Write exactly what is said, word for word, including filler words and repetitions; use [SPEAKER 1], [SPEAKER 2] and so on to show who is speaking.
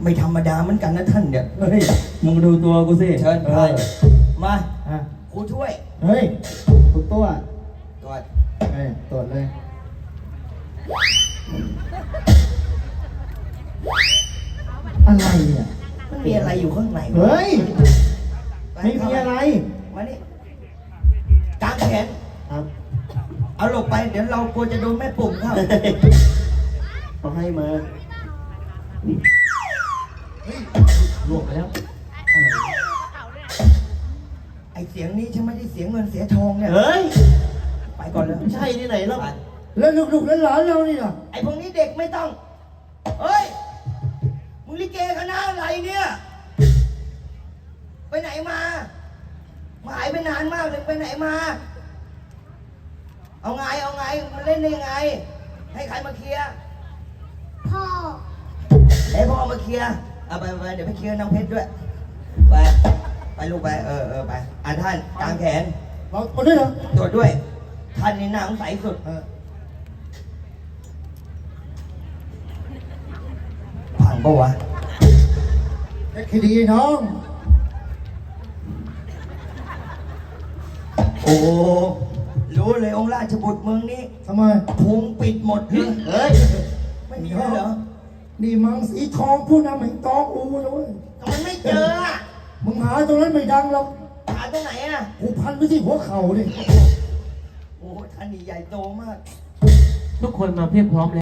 [SPEAKER 1] ไม่ธรรมดาเหมือนกันนะท่านเนี่ย
[SPEAKER 2] เฮ้ยมึงดูตัวกูสิ
[SPEAKER 1] เชิญ
[SPEAKER 2] เอ
[SPEAKER 1] ไป
[SPEAKER 2] อ
[SPEAKER 1] มา
[SPEAKER 2] อ่ะ
[SPEAKER 1] ครูช่วย
[SPEAKER 2] เฮ้ยถูกตัว
[SPEAKER 1] ตรวจ
[SPEAKER 2] เฮ้ยตรวจเลยอะไรเนี่ย
[SPEAKER 1] มันมีอะไรอยู่ข้างในวะ
[SPEAKER 2] เฮ้ย
[SPEAKER 1] ป
[SPEAKER 2] ไม่มีอะไร
[SPEAKER 1] มานี่กางแขน
[SPEAKER 2] ครับ
[SPEAKER 1] เอาหลบไปเดี๋ยวเรากลัวจะโดนแม่ปุ่มเข้า
[SPEAKER 2] เขาให้มาลวกไปแล้ว
[SPEAKER 1] ไอเสียงนี้ฉันไม่ได้เสียงเงินเสียทองเนี่ย
[SPEAKER 2] เฮ้ย
[SPEAKER 1] ไปก่อนเลย
[SPEAKER 2] ใช่ที่ไหนแล้ว
[SPEAKER 1] ไป
[SPEAKER 2] แล้วลูกๆแล้วหลานเรานี่ล่ะ
[SPEAKER 1] ไอพวกนี้เด็กไม่ต้องเฮ้ยมึงลิเกคณะอะไรเนี่ย ไปไหนมามาหายไปนานมากเลยไปไหนมา เอาไงเอาไงมันเล่นได้ยังไง ให้ใครมาเคลียร์
[SPEAKER 3] พ่อ
[SPEAKER 1] ให้พ่อมาเคลียร์เอาไปไปเดี๋ยวไปเคลียร์น้องเพชรด้วยไปไปลูกไปเออเออไปอ่ะท่านกางแขน
[SPEAKER 2] เราคนด้วยเหรอ
[SPEAKER 1] ตรวจด้วย ท่านนี่หน้าสงสัยสุด
[SPEAKER 2] เออ
[SPEAKER 1] พังปะวะ
[SPEAKER 2] เอ็กซ์ดีน้อง
[SPEAKER 1] โอ้รู้เลยองค์ราชบุตรเมืองนี้
[SPEAKER 2] ทำไม
[SPEAKER 1] พุงปิดหมดเลย
[SPEAKER 2] เฮ้ย
[SPEAKER 1] ไม่มีเลยเหรอ
[SPEAKER 2] นี่มังสีทองผู้นำแห่งตองอูนะเว้ย
[SPEAKER 1] แต่มันไม่เจออ่ะ
[SPEAKER 2] มึงหาตรงนั้นไม่ดังหรอก
[SPEAKER 1] หาตรงไหนอ่ะ
[SPEAKER 2] กูพันไปที่หัวเข่าดิ
[SPEAKER 1] โอ้ท่านนี่ใหญ่โตมาก
[SPEAKER 4] ทุกคนมาเพียบพร้อมแล้ว